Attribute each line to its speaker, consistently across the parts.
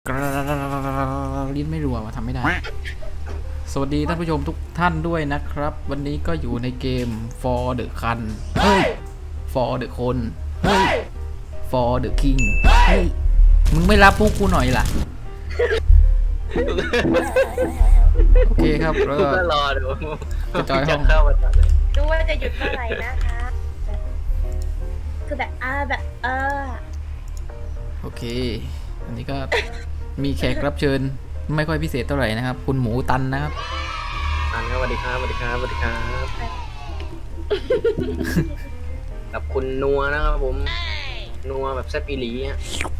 Speaker 1: กรลิ้นไม่รัวมาทำไม่ได้สวัสดีท่านผู้ชมทุกท่านด้วยนะครับ วันนี้ก็อยู่ในเกม For the Kun เฮ้ย For the คนเฮ้ย For the King เฮ้ยมึงไม่รับพวกกูหน่อยล่ะโอเคครับแล้วก็
Speaker 2: รอดู
Speaker 1: จะจอยห้อง
Speaker 2: เข้ามาเลย
Speaker 3: ดูว่าจะหยุดเมื่อไหร่นะคะคือแบบ
Speaker 1: โอเค อันนี้ก็มีแขกรับเชิญไม่ค่อยพิเศษเท่าไหร่นะครับ คุณหมูตันนะครับ
Speaker 2: อันนี้สวัสดีครับสวัสดีครับสวัสดีครับกับคุณนัวนะครับผมนัวแบบแซ่บอีหลีอ่ะ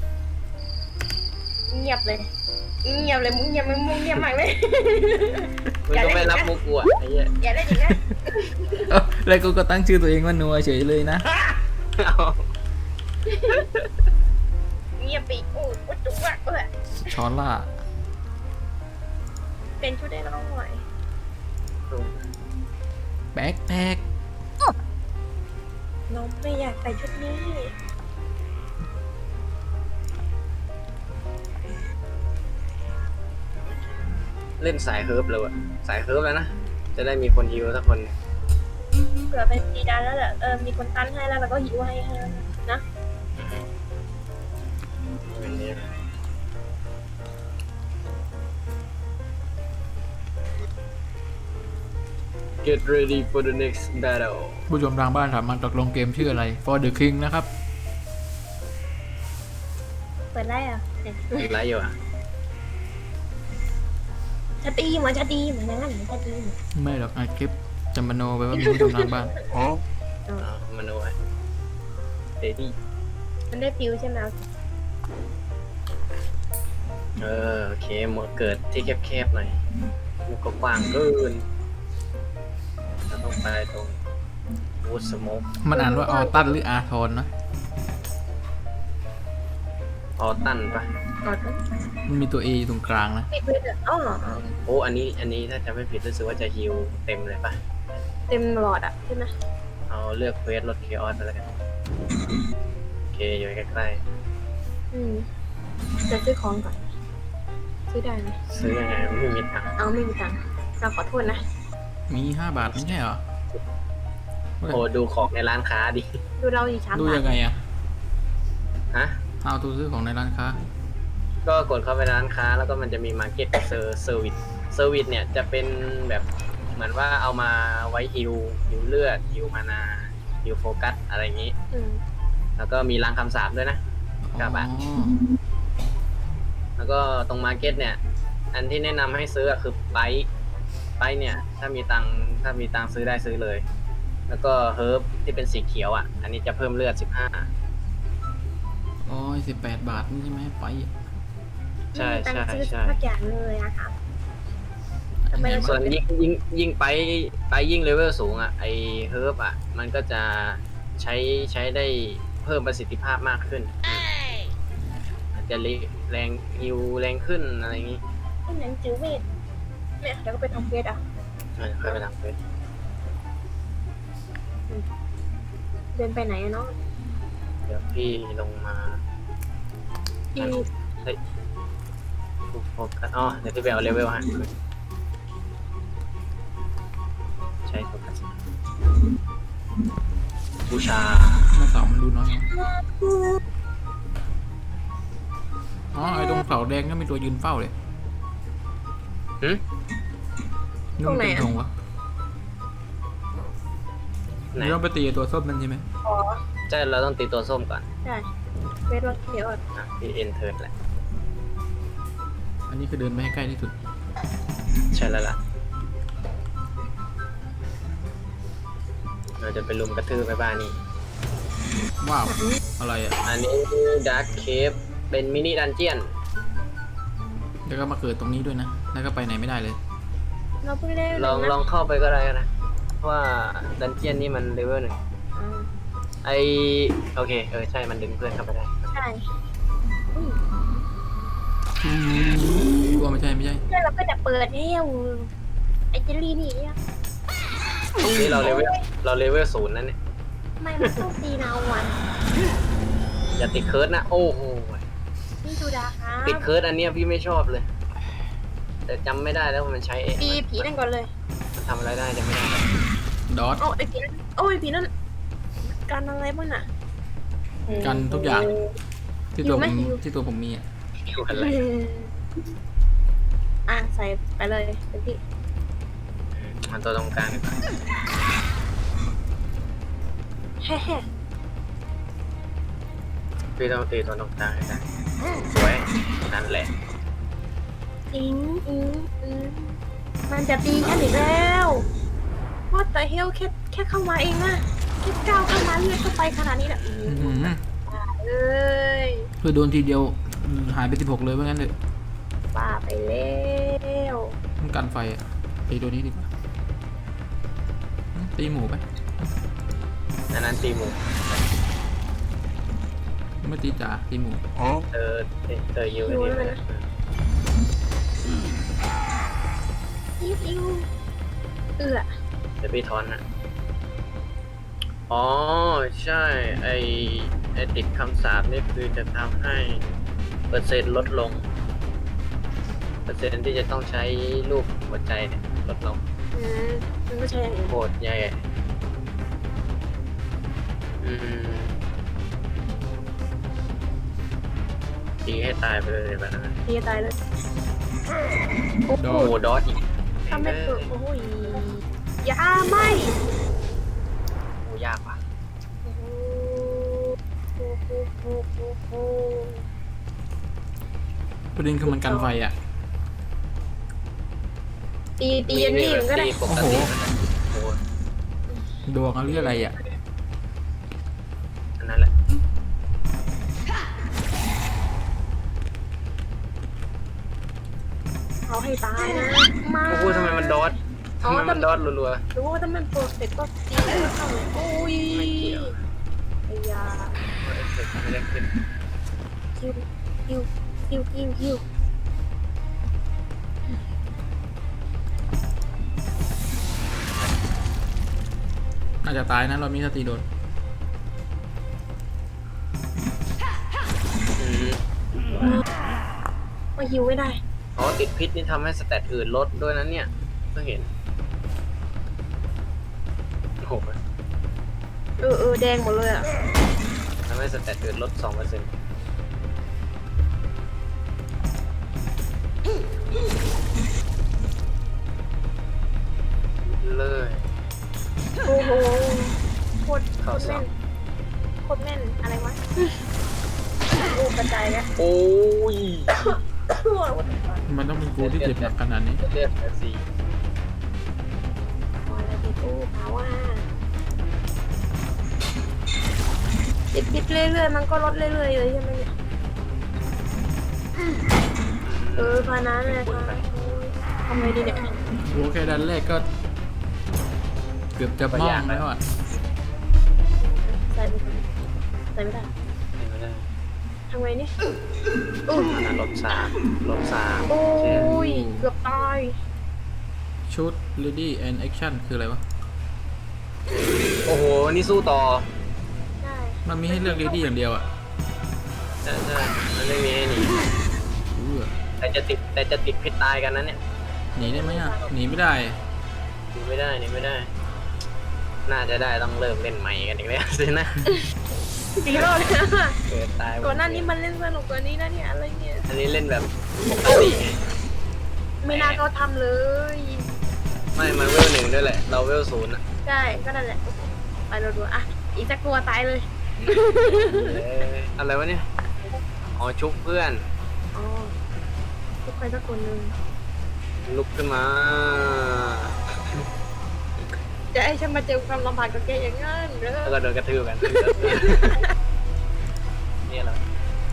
Speaker 3: เงียบเลยมึงเงียบมากเลย
Speaker 2: มึงก็ไม่รับมุกกูอ่ะไอ้เหี้ย
Speaker 3: อย่าได้จริงนะ
Speaker 1: แล้วกูก็ตั้งชื่อตัวเองว่านัวเฉยเลยนะ
Speaker 2: เอา
Speaker 3: เงียบไปโอ้วัดจุกว่ะ
Speaker 1: ชอนล่า
Speaker 3: เป็นชุดได้น้องหน่อย
Speaker 1: แบ็คแพค
Speaker 3: น้องไม่อยากใส่ชุดนี้
Speaker 2: เล่นสายเฮิร์บเลยอ่ะสายเฮิร์บแล้วนะจะได้มีคนฮิวสักคน
Speaker 3: เผื่อเป็นซีดานแล้วแหละมีคนตั้นให้แล้วก็หิวให้นะ
Speaker 2: เป็นนี้ Get ready for the next battle
Speaker 1: ผู้ชมทางบ้านถามมาตกลงเกมชื่ออะไร For the King นะครับ
Speaker 3: เปิดไล่อ่ะ
Speaker 2: ไรอยู่อ่ะ
Speaker 3: ชาตีเหมือนอย่างนั้นชาตี
Speaker 1: ไม่หรอกอัดคลิปจะมโนไปว่ามีผู้ชมทางบ้าน
Speaker 2: มาดูไว้เดดี้
Speaker 3: มันได้ฟิวใช่ไหม
Speaker 2: โอเคหมดเกิดที่แคบๆหน่อยมันก็กว้างเกินเราต้องไปตรงวูดสโมก
Speaker 1: มันอ่านว่าออตันหรืออาทอนนะ
Speaker 2: ออตันปะ
Speaker 3: ก่อน
Speaker 1: มันมีตัว A อยู่ตรงกลางนะ
Speaker 3: ปิดเลยอ๋อ
Speaker 2: โอ้อันนี้ถ้าจะไม่ผิดรู้สึกว่าจะฮิวเต็มเลยปะ
Speaker 3: เต็มหลอดอ่ะใช่ไหม
Speaker 2: เอาเลือกเควสลดเคออสไปแล้วกันโอเคอยู่ใกล้
Speaker 3: จะซื้อของก่อนซื้อได้ไหม
Speaker 2: ๆซื้อยังไงไม่มีตังค์
Speaker 3: เอาไม่มีตังค์เราขอโทษนะ
Speaker 1: มี5 บาทไม่ใช่เหรอ
Speaker 2: โอ้ดูของในร้านค้าดิ
Speaker 3: ดูเราอีก3
Speaker 1: ดู
Speaker 3: บาท
Speaker 1: ยังไงอะ
Speaker 2: ฮะ
Speaker 1: เอาตัวซื้อของในร้านค้า
Speaker 2: ก็กดเข้าไปร้านค้าแล้วก็มันจะมีมาร์เก็ตเซอร์วิสเนี่ยจะเป็นแบบเหมือนว่าเอามาไว้ฮิวเลือดฮิวมานาฮิวโฟกัสอะไรอย่างนี้ แล้วก็มีรางคำสาปด้วยนะ ครับ แล้วก็ตรงมาร์เก็ตเนี่ยอันที่แนะนำให้ซื้อคือไปเนี่ยถ้ามีตังค์ซื้อได้ซื้อเลย แล้วก็เฮิร์บที่เป็นสีเขียวอ่ะอันนี้จะเพิ่มเลือด15
Speaker 1: อ๋อ18 บาทนี่ใช่ไหมไป
Speaker 2: ใช่
Speaker 3: ตัง
Speaker 2: ใช่
Speaker 3: ค์ซื้อ
Speaker 2: ใช่
Speaker 3: สักอย่างเลยอะครับ
Speaker 1: อันไหน
Speaker 2: ส่ว
Speaker 1: วะ
Speaker 2: นยิ่งไปยิ่งเลเวลสูงอ่ะไอเฮิร์บอ่ะมันก็จะใช้ได้เพิ่มประสิทธิภาพมากขึ้นอาจจะแรงฮิวแรงขึ้นอะไรอย่างนี้
Speaker 3: ไอ้หนังจือเวทเนี่ยเดี๋ยวก็ไปทำเวทอ่ะ
Speaker 2: ค่อยไปทำเฟส
Speaker 3: เดินไปไหนอะเนาะ
Speaker 2: เดี๋ยวพี่ลงมา
Speaker 3: อี
Speaker 2: โฟกัสอ๋อเดี๋ยวพี่ไปเอาเลเวลฮะใช้โฟกัสบูชา
Speaker 1: หน้าเสามันดูน้อยนะอ๋อไอ้ตรงเสาแดงก็มีตัวยืนเฝ้าเลย
Speaker 2: หึ
Speaker 1: นุ่มเป็นธงวะ
Speaker 2: ไหน
Speaker 1: เราต้องไปตีไอ้ตัวส้มนั่นใช่ไหม
Speaker 3: อ๋อ
Speaker 2: ใช่เราต้องตีตัวส้มก่อน
Speaker 3: ใช่เวทรถเขียวอ่ะ
Speaker 2: พี่เอ็นเทิร์นแหละ
Speaker 1: อันนี้คือเดินไปให้ใกล้ที่สุด
Speaker 2: ใช่แล้วล่ะเราจะไปลุมกระทืบไปบ้านนี่
Speaker 1: ว้าวอะไรอ่ะ
Speaker 2: อันนี้ดาร์คเคฟเป็นมินิดันเจียน
Speaker 1: แล้วก็มาเกิดตรงนี้ด้วยนะ แล้วก็ไปไหนไม่ได้เลย
Speaker 3: เราเพิ่งได้
Speaker 2: ลองเข้าไปก็ได้นะว่าดันเจียนนี่มันเลเวล 1โอเคใช่มันดึงเพื่อนเข้าไปได้
Speaker 3: ใช่
Speaker 1: กลัวไม่ใช่
Speaker 3: แล้วเราก็จะเปิดให้ไอเจลลี่นี่อ่ะ
Speaker 2: นี่เราเลเวล0นั่นเนี่ย
Speaker 3: ไม่มันต้องตีนาวัน
Speaker 2: อย่าติดเคิร์ดนะโอ้โห
Speaker 3: นี่พี่ดูดาครับ
Speaker 2: ติดเคิร์ดอันเนี้ยพี่ไม่ชอบเลย แต่จำไม่ได้แล้วว่ามันใช้
Speaker 3: ตีผีนั่นก่อนเลย
Speaker 2: มันทำอะไรได้จำไม่ได้
Speaker 1: ดอท
Speaker 3: โอ้ไอผีนั่นโอ้ยผีนั่นกันอะไรบ้างน่ะ
Speaker 1: กันทุกอย่างที่ตัว
Speaker 3: หิวไห
Speaker 1: ผม ม
Speaker 3: หิว
Speaker 1: ที่ตัวผมมีอะ
Speaker 2: อยู่อะไร
Speaker 3: อ่ะใส่ไปเลยเต็มที่
Speaker 2: มันตัวตรงกลางดีกว่า
Speaker 3: แฮ่
Speaker 2: พี่ต้องตีตัวตรงกลางให้ได้สวยนั่นแหละ
Speaker 3: อิงมันจะตีฉันอีกแล้วว่าแต่เฮลแค่เข้ามาเองนะแค่ก้าวเข้ามาเลือดเข้าไปขนาดนี้แหละ
Speaker 1: อื้อหือ
Speaker 3: เอ้ย
Speaker 1: เพื่อโดนทีเดียวหายไป16เลยว่างั้นเถอะ
Speaker 3: บ้าไปแล้ว
Speaker 1: มันกันไฟอะตีตัวนี้ดีกว่าตีหมูไป
Speaker 2: อันนั้นตีหมู
Speaker 1: ไม่ตีจ่าตีหมู
Speaker 2: เตอยูอันนี้เลย
Speaker 3: อิวเอือ
Speaker 2: เดี๋ยวพี่ทอนนะอ๋อใช่ไอติดคำสาปนี่คือจะทำให้เปอร์เซ็นต์ลดลง เปอร์เซ็นต์ที่จะต้องใช้รูปหัวใจเนี่ยลดลง
Speaker 3: มันก็ใช่อย่างอื่น
Speaker 2: โหดใหญ่อืมตีให้ตายไปเลยแบบนั้น
Speaker 3: ตีตายเลยโอ้
Speaker 1: โด
Speaker 3: โห
Speaker 2: โอ้ดอทอีก
Speaker 3: ถ้าไม่เปิดโอ้ยอย่าไม่
Speaker 2: โอ้ยากว่ะ
Speaker 3: โอ้โห
Speaker 1: ประเด็นคือมันกันไฟอะ
Speaker 3: ตีอันนี้มันก็ได้
Speaker 2: ตีปกติโอ้โห
Speaker 1: ดวงเอาเรื่องอะไรอะ
Speaker 2: อันนั้นแหละ
Speaker 3: เอาให้ตายนะมา
Speaker 2: โอ้โหทำไมมันดอททำไมมันดอทรัว
Speaker 3: หรือว่าถ้ามันเปิดเสร็จก็ตีแล้วเข้าโอ้ยไอ้ยา
Speaker 2: ๆเอฟเฟกต์ไม่ได้ขึ้น
Speaker 3: คิว
Speaker 1: น่าจะตายนะเรามีสติโดน
Speaker 2: อืม
Speaker 3: มาฮิวไม่ได้
Speaker 2: อ๋อติดพิษนี่ทำให้สแตทอื่นลดด้วยนั้นเนี่ยเพิ่งเห็นโอ้โห
Speaker 3: แดงหมดเลยอ่ะ
Speaker 2: ทำให้สแตทอื่นลด 2%เลย
Speaker 3: โอ้โหโคตร
Speaker 2: เข้าสอบ
Speaker 3: แม่นอะไรวะโอ้กระจายแล้ว
Speaker 2: โอ้ย
Speaker 1: มันต้องเป็นกูที่เจ็บหนักขนาดนี้
Speaker 2: เลือดเหลือ4
Speaker 3: พอแล้วพี่กู้ภาวะติดเรื่อยๆมันก็ลดเรื่อยๆเลยใช่ไหมเนี่ยพานั้นเลยค่ะทำไงดีเนี่ย
Speaker 1: โอ้แค่ดันแรกก็ เกือบจะมองแล้วอ่ะ
Speaker 3: ใส่ไม่ได้
Speaker 2: ไม่ได้
Speaker 3: ทำไงเนี่ย
Speaker 2: อันนั้นลบ3
Speaker 3: โอ้ยเกือบตาย
Speaker 1: ชุด ready and action คืออะไรวะ
Speaker 2: โอ้โห นี่สู้ต่อ
Speaker 3: ได้
Speaker 1: มันมีให้เลือก ready อย่างเดียวอ่ะ
Speaker 2: ใช่มันไม่มีให้หนี
Speaker 1: เออ
Speaker 2: แต่จะติดพิษตายกันนั้นเนี่ย
Speaker 1: หนีได้ไหมอ่ะ หนีไม่ได้
Speaker 2: หนีไม่ได้ น่าจะได้ต้องเริ่มเล่นใหม่กันอีกแล้วสินะ
Speaker 3: ตีรอบเลยนะ
Speaker 2: เกิดตาย
Speaker 3: ก่อนหน้านี้มันเล่นสนุกกว่านี้นะเนี่ยอะไรเนี่ย
Speaker 2: อันนี้เล่นแบบปกติ
Speaker 3: ไม่น่าเขาทำเลย
Speaker 2: ไม่มันเวล1ด้วยแหละ เราเวล0อ่ะ
Speaker 3: ใช่ก็นั่นแหละไปเราดูอ่ะอีกสักตัวตายเลย
Speaker 2: อะไรวะเนี่ย อ๋อชุบเพื่อน
Speaker 3: อ๋อทุกใครสักคนหนึ่ง
Speaker 2: ลุกขึ้นมา
Speaker 3: จะให้ฉันมาเจอความลำบากกับแกอย่างนั้นเหรอ
Speaker 2: แล้วก็โดนกระทืบกัน เนี่ยเหรอ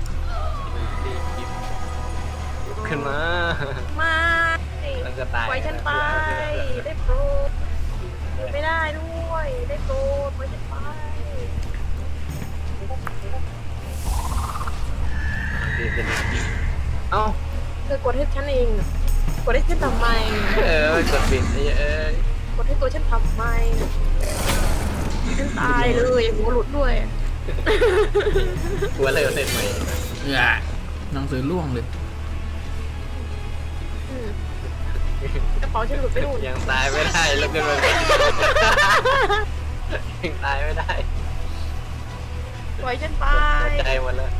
Speaker 2: ลุกขึ้นมา
Speaker 3: ไม่
Speaker 2: แล้วก็ตาย
Speaker 3: ปล่อยฉันไปได้โปรดอยู่ไม่ได้ด้วยได้โปรดปล่อยฉันไป
Speaker 2: เอ้า
Speaker 3: เธอกดให้ฉันเองกดให้ฉันทำไม
Speaker 2: กดปิดเอ้ย
Speaker 3: กดให้ตัวฉันทำไมฉันตายเลยหัวหลุดด้วย
Speaker 2: หัวเลยเสร็จใหม่
Speaker 1: เออหนังสือล่วงเลย
Speaker 3: อืมกระเป๋าฉันหลุดไปนู่น
Speaker 2: ยังตายไม่ได้แล้วกันเลยยังตายไม่ได้
Speaker 3: ปล่อยฉันไป
Speaker 2: ใจหมดแล้ว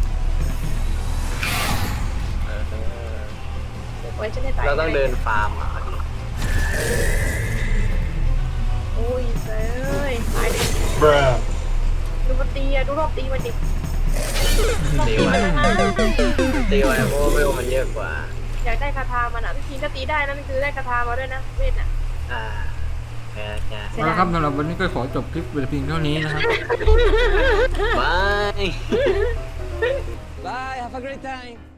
Speaker 2: เออ
Speaker 3: ปล่อยฉันให้ตาย
Speaker 2: เราต้องเดินฟาร์มอ่ะ
Speaker 3: โอ้ยเอ้ยตายดิดูมันตีอะดูรอบตีมันดิรอบตีมันนะ
Speaker 2: ตีไว้เพราะว่าเวลมันเยอะกว่า
Speaker 3: อยากได้คาถามันอ่ะพี่พีถ้าตีได้นั่นคือได้คาถามาด้วยนะเวทน่ะ
Speaker 2: อ่าแพ้จ้ะ
Speaker 3: เสียดาย
Speaker 1: แล้วครับสำหรับวันนี้ก็ขอจบคลิปเพียงเท่านี้นะครับ
Speaker 2: บาย
Speaker 4: Bye, have a great time.